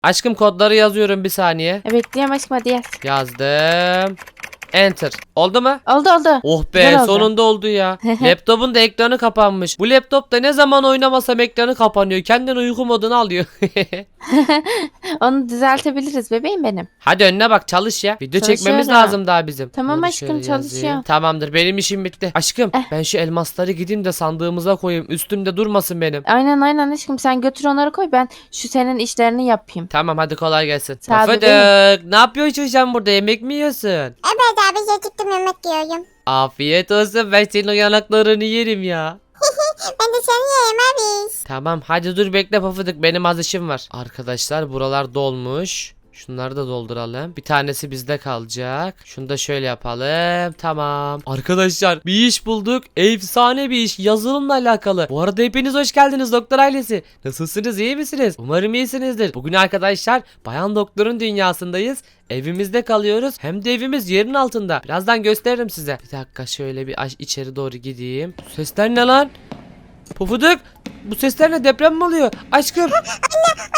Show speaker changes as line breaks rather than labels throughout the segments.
Aşkım kodları yazıyorum bir saniye.
Bekliyorum aşkım, hadi yaz.
Yazdım. Enter. Oldu mu?
Oldu.
Oh be,
Güzel oldu.
sonunda oldu ya. Laptopun da ekranı kapanmış. Bu laptopta ne zaman oynamasam ekranı kapanıyor. Kendini uyku moduna alıyor.
Onu düzeltebiliriz bebeğim benim.
Hadi önüne bak, çalış ya. Video çekmemiz
Çalışıyorum.
lazım daha bizim.
Tamam
Bunları
aşkım,
şöyle yazayım.
çalışıyor.
Tamamdır, benim işim bitti. Aşkım
Eh.
ben şu elmasları gideyim de sandığımıza koyayım. Üstümde durmasın benim.
Aynen aşkım, sen götür onları koy, ben şu senin işlerini yapayım.
Tamam, hadi kolay gelsin.
Sağ ol
Pofuduk,
bebeğim.
ne yapıyorsun sen burada, yemek mi yiyorsun?
Evet abi acıktım yemek yiyorum.
Afiyet olsun, ben senin o yanaklarını yerim ya.
Ben de seni yiyeyim abi.
Tamam, hadi dur bekle Pofuduk, benim az işim var. Arkadaşlar buralar dolmuş. Şunları da dolduralım. Bir tanesi bizde kalacak. Şunu da şöyle yapalım. Tamam. Arkadaşlar bir iş bulduk. Efsane bir iş. Yazılımla alakalı. Bu arada hepiniz hoş geldiniz doktor ailesi. Nasılsınız, iyi misiniz? Umarım iyisinizdir. Bugün arkadaşlar Bayan Doktor'un dünyasındayız. Evimizde kalıyoruz. Hem de evimiz yerin altında. Birazdan gösteririm size. Bir dakika şöyle bir içeri doğru gideyim. Bu sesler ne lan? Pofuduk. Bu sesler ne? Deprem mi oluyor? Aşkım.
Anne.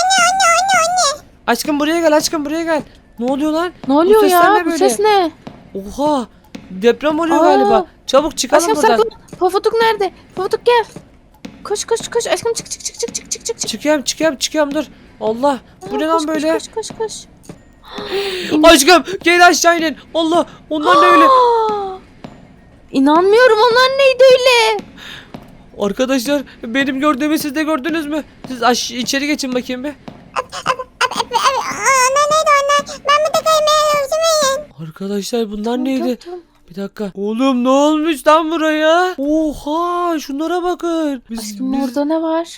Aşkım buraya gel, aşkım buraya gel. Ne oluyor lan?
Ne oluyor
sesler
ya?
ne
Bu
böyle?
ses ne?
Oha. Deprem oluyor
Aa.
galiba. Çabuk çıkalım
Aşkım
buradan.
saklan. Pofuduk nerede? Pofuduk gel. Koş aşkım, çık.
Çıkıyorum dur. Allah. Bu ne lan
Koş,
böyle?
Koş.
Aşkım gel aşağı inin. Allah. Onlar ne öyle?
İnanmıyorum, onlar neydi öyle?
Arkadaşlar benim gördüğümü siz de gördünüz mü? Siz içeri geçin bakayım bir.
Onlar neydi onlar? Ben bir de kaymayı üzülmeyin.
Arkadaşlar bunlar neydi?
Tamam.
Bir dakika. Oğlum ne olmuş lan buraya? Oha şunlara bakın.
Aşkım orada ne var?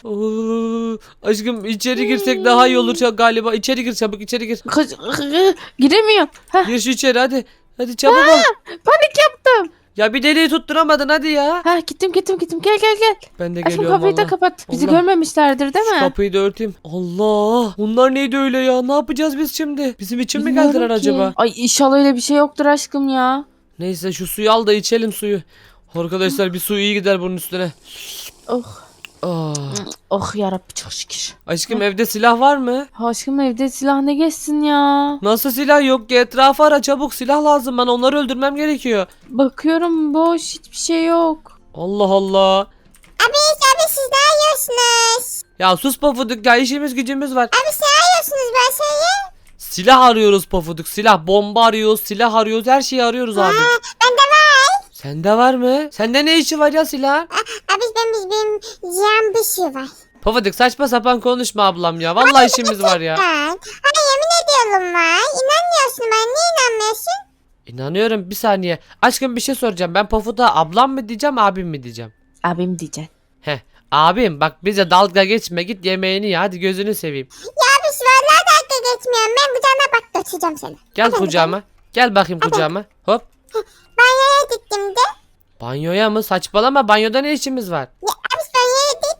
Aşkım içeri girsek daha iyi olur galiba. İçeri gir, çabuk içeri gir.
Giremiyorum. Heh,
Gir şu içeri hadi. Hadi çabuk ol.
panik yaptım.
Ya bir deliği tutturamadın hadi ya.
Ha, gittim. Gel.
Ben de
Aşkım
geliyorum
kapıyı da
valla.
kapat. Bizi
Allah.
görmemişlerdir değil
Şu
mi?
kapıyı da örteyim. Allah. Bunlar neydi öyle ya? Ne yapacağız biz şimdi? Bizim için mi
Bilmiyorum
geldiler
ki.
acaba?
Ay inşallah öyle bir şey yoktur aşkım ya.
Neyse şu suyu al da içelim suyu. Arkadaşlar bir su iyi gider bunun üstüne.
Oh.
Ah.
Oh yarabbi, çok şükür.
Aşkım evde silah var mı?
Aşkım evde silah ne geçsin ya?
Nasıl silah yok ki? Etrafı ara çabuk, silah lazım bana, onları öldürmem gerekiyor.
Bakıyorum boş, hiçbir şey yok.
Allah Allah.
Abi siz ne yiyorsunuz?
Ya sus Pofuduk ya, işimiz gücümüz var.
Abi siz ne yiyorsunuz ben şeyi?
Silah arıyoruz Pofuduk, silah, bomba arıyoruz, silah arıyoruz, her şeyi arıyoruz abi.
Bende var.
Sende var mı? Sende ne işi var ya silah?
Abi benim yiyen bir şey var.
Pofuduk saçma sapan konuşma ablam ya, vallahi işimiz var ya.
Ben. Hani yemin ediyorum var. İnanmıyorsun, ben niye inanmıyorsun?
İnanıyorum, bir saniye. Aşkım bir şey soracağım, ben Pofuduk'a ablam mı diyeceğim, abim mi diyeceğim?
Abim diyeceksin.
Heh, abim bak bize dalga geçme, git yemeğini ye, hadi gözünü seveyim.
Ya abi vallahi dakika geçmiyorum. Ben kucağına bak götüreceğim seni.
Gel kucağıma, gel bakayım kucağıma, hop.
Banyoya gittim de.
Banyoya mı? Saçmalama, banyoda ne işimiz var?
Ya abi banyoya dit.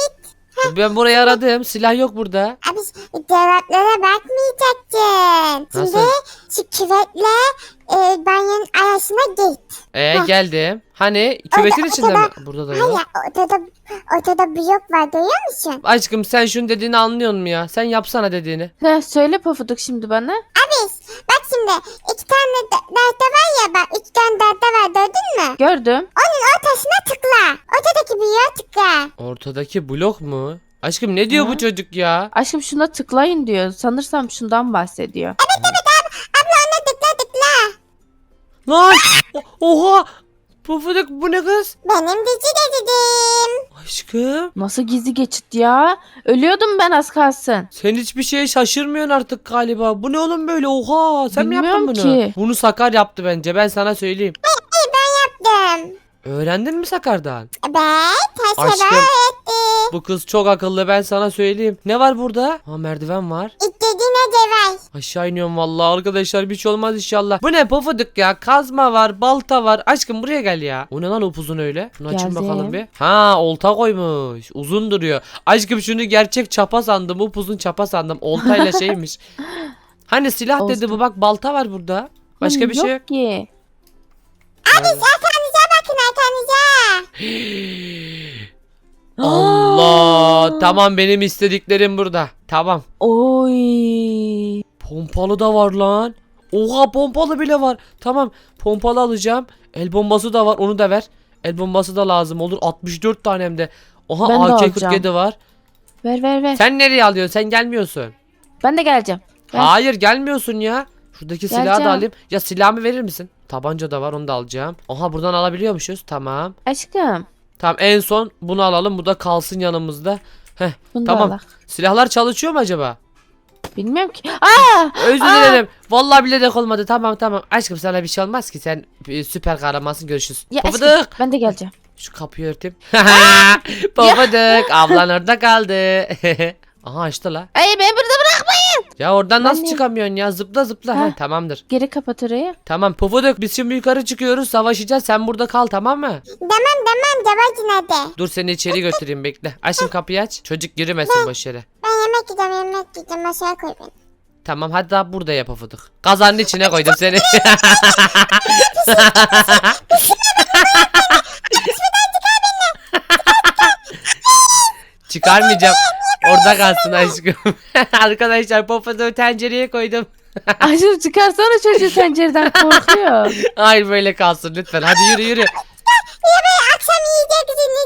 Ben burayı aradım, silah yok burada.
Abi cevaplara bakmayacaksın. Şimdi
Nasıl?
şu küvetle banyonun arasına git.
Geldim. Hani küvetin
Orada-
içinde mi?
ortada-
Burada da
Hayır
yok.
ortada blok var görüyor musun?
Aşkım sen şunun dediğini anlıyor musun ya? Sen yapsana dediğini.
Söyle Pofuduk şimdi bana.
Abi bak şimdi iki tane derde var ya bak üç tane derde var gördün mü?
Gördüm.
Onun ortasına tıkla. Ortadaki bloğa tıkla.
Ortadaki blok mu? Aşkım ne diyor
Hı?
bu çocuk ya?
Aşkım şuna tıklayın diyor. Sanırsam şundan bahsediyor.
Abla ona tıkla.
Lan! Oha! Pufuduk bu ne kız?
Benim dizi dedim.
Aşkım
Nasıl gizli geçit ya? Ölüyordum ben az kalsın.
sen hiçbir şeye şaşırmıyorsun artık galiba. Bu ne oğlum böyle? Oha! Sen mi yaptın bunu?
Bilmiyorum ki.
Bunu Sakar yaptı bence. Ben sana söyleyeyim.
Yaptım.
Öğrendin mi Sakar'dan?
Evet her şey
Aşkım.
öğretti.
Bu kız çok akıllı, ben sana söyleyeyim. Ne var burada? Ha, merdiven var.
İstediğine cevay.
Aşağı iniyorum vallahi arkadaşlar, bir şey olmaz inşallah. Bu ne Pofuduk ya? Kazma var, balta var. Aşkım buraya gel ya. O ne lan upuzun öyle? Şunu açın
Geldim.
bakalım bir. Ha, olta koymuş. Uzun duruyor. Aşkım şunu gerçek çapa sandım. Upuzun çapa sandım. Oltayla şeymiş. Hani silah dedi bu, bak balta var burada. Başka bir şey yok.
ki.
Abi arkanıza bakın arkanıza.
Allah. Tamam, benim istediklerim burada. Tamam.
Oy.
Pompalı da var lan. Oha, pompalı bile var. Tamam, pompalı alacağım. El bombası da var, onu da ver. El bombası da lazım olur. 64 tane hem de. Oha,
Ben de
AK-47 var.
Ver.
Sen nereye alıyorsun? Sen gelmiyorsun.
Ben de geleceğim. Ver.
Hayır, gelmiyorsun ya. Şuradaki silahı da
Geleceğim.
alayım. Ya silahımı verir misin? Tabanca da var, onu da alacağım. Oha, buradan alabiliyormuşuz. Tamam.
Aşkım.
Tamam, en son bunu alalım. Bu da kalsın yanımızda. Heh,
Bunu da
tamam.
al.
Silahlar çalışıyor mu acaba?
Bilmiyorum ki. Aa!
Özür dilerim. Vallahi bilerek olmadı. Tamam. Aşkım, sana bir şey olmaz ki. Sen süper kahramansın. Görüşürüz.
Ya
Pofuduk.
aşkım, ben de geleceğim.
Şu kapıyı örteyim. Pofuduk. Ablan orada kaldı. Aha, açtı la.
Ay, beni burada bırakmayın.
Ya oradan nasıl
Ben de-
çıkamıyorsun ya? Zıpla.
Ha.
Heh, tamamdır.
Geri kapat orayı.
Tamam Pofuduk, biz şimdi yukarı çıkıyoruz. Savaşacağız. Sen burada kal, tamam mı?
Tamam Cabacı nerede?
Dur, seni içeri götüreyim, bekle. Açın kapıyı, aç. Çocuk girmesin boş yere.
Ben yemek yiyeceğim masaya koy beni.
Tamam, hadi daha burada yap Pofuduk. Kazanın içine koydum seni. Çıkarmayacağım. Orada kalsın aşkım. Arkadaşlar, Pofuduk'u tencereye koydum.
Aşkım, çıkarsana çocuğu pencereden, korkuyor.
Hayır, böyle kalsın lütfen. Hadi yürü.
Akşam yiyeceksiniz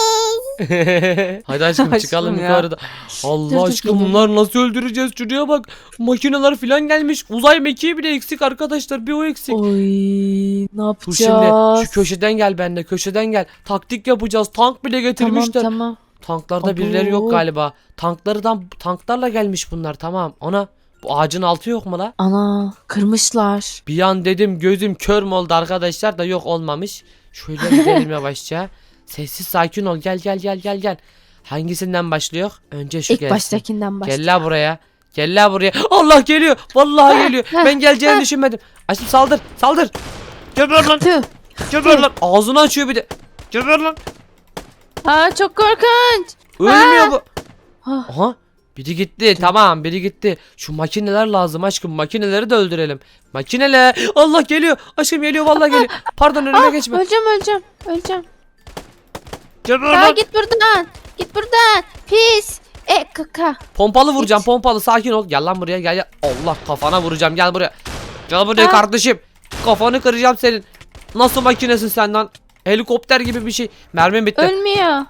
siz.
Hadi aşkım,
Aşkım
çıkalım
ya.
yukarıda. Allah
Dur,
aşkım,
gidelim.
bunlar nasıl öldüreceğiz? Şuraya bak. Makineler falan gelmiş. Uzay mekiği bile eksik arkadaşlar. Bir o eksik.
Oy, ne
Dur şimdi,
yapacağız?
şu köşeden gel benimle. Köşeden gel. Taktik yapacağız. Tank bile getirmişler.
Tamam.
Tanklarda birileri yok
Abo.
galiba. Tanklarla gelmiş bunlar, tamam. Ana, bu ağacın altı yok mu la?
Ana, kırmışlar.
Bir an dedim, gözüm kör mü oldu arkadaşlar, da yok, olmamış. Şöyle gidelim yavaşça. Sessiz sakin ol, gel. Hangisinden başlıyor? Önce şu
İlk
gelsin.
baştakinden başla.
Gel la buraya. Gel la buraya. Allah geliyor. Vallahi geliyor. Ben geleceğini düşünmedim. Aşkım, saldır. Geber lan.
Tüh.
Geber lan. Ağzını açıyor bir de. Geber lan.
Aa, çok korkunç.
Ölmüyor bu.
Ah.
Aha. Biri gitti. Tamam, biri gitti. Şu makineler lazım aşkım. Makineleri de öldürelim. Makineler. Allah geliyor. Aşkım geliyor, vallahi geliyor. Pardon, önüme geçme.
Öleceğim.
Geber
Aa,
lan.
git buradan. Pis. Kaka.
Pompalı vuracağım, pompalı, sakin ol. Gel lan buraya, gel. Allah, kafana vuracağım, gel buraya. Gel buraya
Ha?
kardeşim. Kafanı kıracağım senin. Nasıl makinesin sen lan? Helikopter gibi bir şey. Mermim bitti.
Ölmüyor.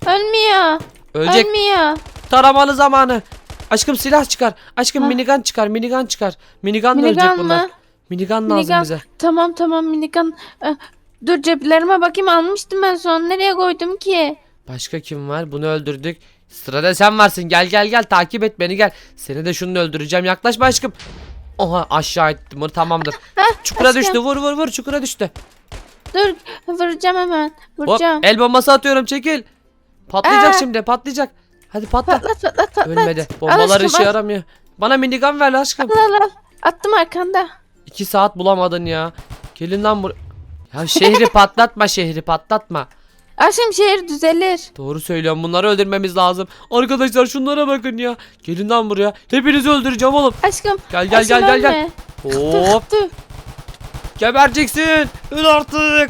Ölecek.
Ölmüyor.
Taramalı zamanı. Aşkım, silah çıkar. Aşkım,
Ha?
minigun çıkar. Minigunla ölecek
Minigun
bunlar.
mı?
Minigun lazım
Minigun.
bize.
Tamam minigun. Dur, ceplerime bakayım, almıştım ben son. Nereye koydum ki?
Başka kim var? Bunu öldürdük. Sırada sen varsın. Gel. Takip et beni, gel. Seni de şunu öldüreceğim. Yaklaşma aşkım. Oha, aşağı ettim bunu, tamamdır. Çukura
aşkım.
düştü. Vur, çukura düştü.
Dur, vuracağım hemen.
Hop,
Vuracağım.
el bombası atıyorum, çekil. Patlayacak
Aa.
şimdi, patlayacak. Hadi patla.
Patlat.
Ölmedi.
Al
Bombalar
aşkım,
işe
al.
yaramıyor. Bana minigun ver aşkım.
Al. Attım arkanda.
2 saat bulamadın ya. Gelin lan buraya. Ya şehri patlatma.
Aşkım, şehir düzelir.
Doğru söylüyorum, bunları öldürmemiz lazım. Arkadaşlar, şunlara bakın ya. Gelin lan buraya. Hepinizi öldüreceğim oğlum.
Aşkım.
Gel.
ölme.
Hop.
Dur.
Gebereceksin. Öl artık.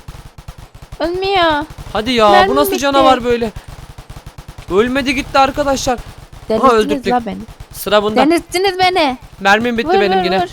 Ölmüyor.
Hadi ya,
Mermim
bu nasıl
bitti.
canavar böyle? Ölmedi gitti arkadaşlar.
Delirttiniz
öldürdük.
la beni.
Sıra bunda.
Delirttiniz beni.
Mermim bitti
Vur,
benim
vur,
yine.
vur.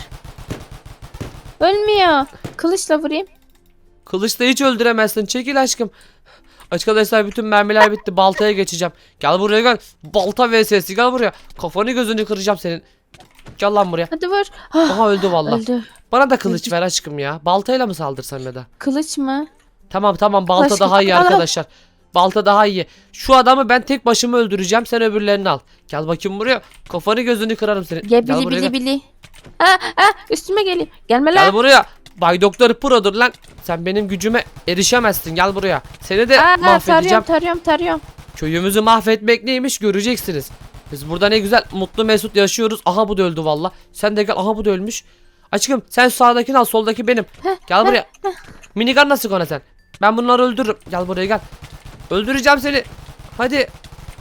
Ölmüyor. Kılıçla vurayım.
Kılıçla hiç öldüremezsin. Çekil aşkım. Arkadaşlar, bütün mermiler bitti. Baltaya geçeceğim. Gel buraya, gel. Balta vs. Gel buraya. Kafanı gözünü kıracağım senin. Gel lan buraya.
Hadi vur. Ah,
Aha, öldü vallahi.
öldü.
Bana da kılıç ver aşkım ya. Baltayla mı saldırsam ya da?
Kılıç mı?
Tamam, balta
Aşkım,
daha iyi
al.
arkadaşlar. Balta daha iyi. Şu adamı ben tek başıma öldüreceğim. Sen öbürlerini al. Gel bakayım buraya. Kafanı gözünü kırarım senin.
Gel
Gel buraya. Gel.
bili. Üstüme geliyor. Gelme
Gel
lan.
buraya. Bay Doktor Pro'dur lan. Sen benim gücüme erişemezsin. Gel buraya. Seni de mahvedeceğim.
Tarıyorum.
Köyümüzü mahvetmek neymiş göreceksiniz. Biz burada ne güzel mutlu mesut yaşıyoruz. Aha, bu da öldü valla. Sen de gel. Aha, bu da ölmüş. Aşkım, sen sağdakini al, soldaki benim. Gel buraya. Minigun nasıl kona sen? Ben bunları öldürürüm. Gel buraya, gel. Öldüreceğim seni. Hadi.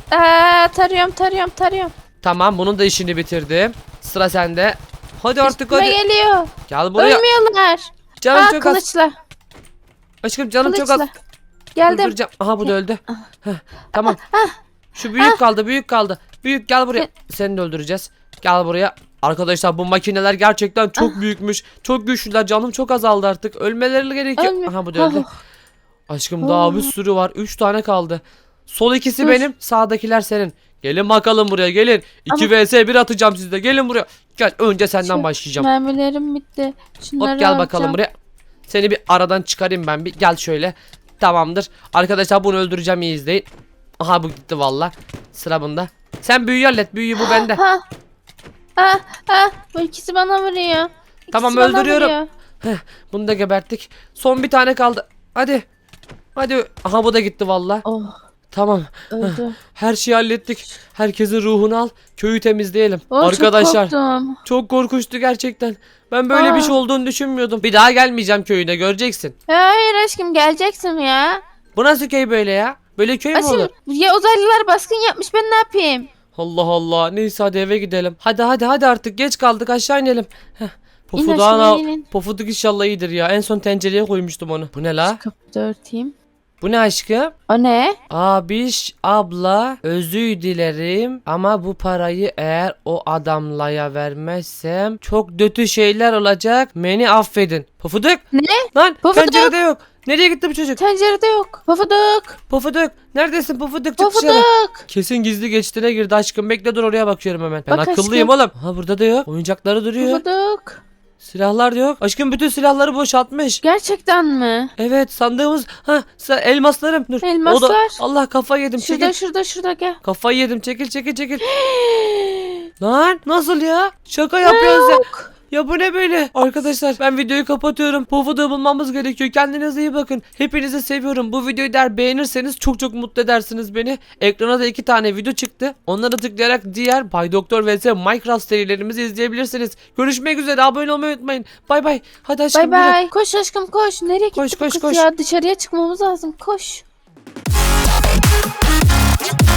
Tarıyorum.
Tamam, bunun da işini bitirdim. Sıra sende. Hadi artık,
Üstüme
hadi.
geliyor.
Gel buraya.
Ölmüyorlar.
Canım çok az.
Kılıçla.
Aşkım, canım çok az.
Kılıçla. Geldim.
Öldüreceğim. Aha bu da öldü. Heh, tamam. Şu büyük kaldı, büyük kaldı. Büyük gel buraya. Seni de öldüreceğiz. Gel buraya. Arkadaşlar bu makineler gerçekten çok büyükmüş. Çok güçlüler. Canım çok azaldı artık. Ölmeleri gerekiyor.
Ölme.
Aha bu da öldü. Aşkım daha bir sürü var. 3 tane kaldı. Sol ikisi
Dur.
benim. Sağdakiler senin. Gelin bakalım buraya gelin. 2 vs 1 atacağım sizde. Gelin buraya. Gel önce senden
Şu
başlayacağım.
Mermilerim bitti. Şunları
Hop gel bakalım
alacağım.
buraya. Seni bir aradan çıkarayım ben bir. Gel şöyle. Tamamdır. Arkadaşlar bunu öldüreceğim, iyi izleyin. Aha bu gitti valla. Sıra bunda. Sen büyüyü hallet. Büyüyü bu bende.
Ha. Bu ikisi bana vuruyor. İkisi
Tamam,
bana
öldürüyorum.
vuruyor.
Bunu da geberttik. Son bir tane kaldı. Hadi. Hadi. Aha bu da gitti valla.
Oh,
Tamam.
öldü.
Her şeyi hallettik. Herkesin ruhunu al. Köyü temizleyelim.
Oh,
Arkadaşlar.
çok korktum.
Çok korkunçtu gerçekten. Ben böyle bir şey olduğunu düşünmüyordum. Bir daha gelmeyeceğim köyüne, göreceksin.
Hayır aşkım, geleceksin ya.
Bu nasıl köy böyle ya? Böyle köy mü olur?
Aşkım ya, uzaylılar baskın yapmış, ben ne yapayım?
Allah Allah. Neyse hadi eve gidelim. Hadi artık geç kaldık, aşağı inelim. Heh. Pofuduk
aşağı inin.
Pofuduk inşallah iyidir ya. En son tencereye koymuştum onu. Bu ne la?
Kapıyı da örteyim.
Bu ne aşkım?
O ne?
Abiş abla özür dilerim ama bu parayı eğer o adamlaya vermezsem çok kötü şeyler olacak. Beni affedin. Pofuduk.
Ne?
Lan
Pofuduk.
tencerede yok. Nereye gitti bu çocuk?
Tencerede yok. Pofuduk.
Pofuduk. Neredesin Pofuduk? Çık dışarı.
Pofuduk.
Kesin gizli geçtiğine girdi aşkım. Bekle dur, oraya bakıyorum hemen. Ben
Bak
akıllıyım
aşkım.
oğlum. Ha burada da yok. Oyuncakları duruyor.
Pofuduk.
Silahlar da yok. Aşkım bütün silahları boşaltmış.
Gerçekten mi?
Evet sandığımız. Ha elmaslarım. Dur.
Elmaslar.
O da, Allah kafayı yedim.
Şurada
Çekil.
şurada gel.
Kafayı yedim. Çekil. Lan nasıl ya? Şaka yapıyorsun sen. Ya bu ne böyle? Arkadaşlar ben videoyu kapatıyorum. Pofuduk'u bulmamız gerekiyor. Kendinize iyi bakın. Hepinizi seviyorum. Bu videoyu eğer beğenirseniz çok mutlu edersiniz beni. Ekrana da 2 tane video çıktı. Onlara tıklayarak diğer Bay Doktor vs Minecraft serilerimizi izleyebilirsiniz. Görüşmek üzere. Abone olmayı unutmayın. Bay bay. Hadi aşkım.
Bay
yürü.
bay. Koş aşkım koş. Nereye gitti
Koş,
bu
koş,
kız
koş.
ya? Dışarıya çıkmamız lazım. Koş.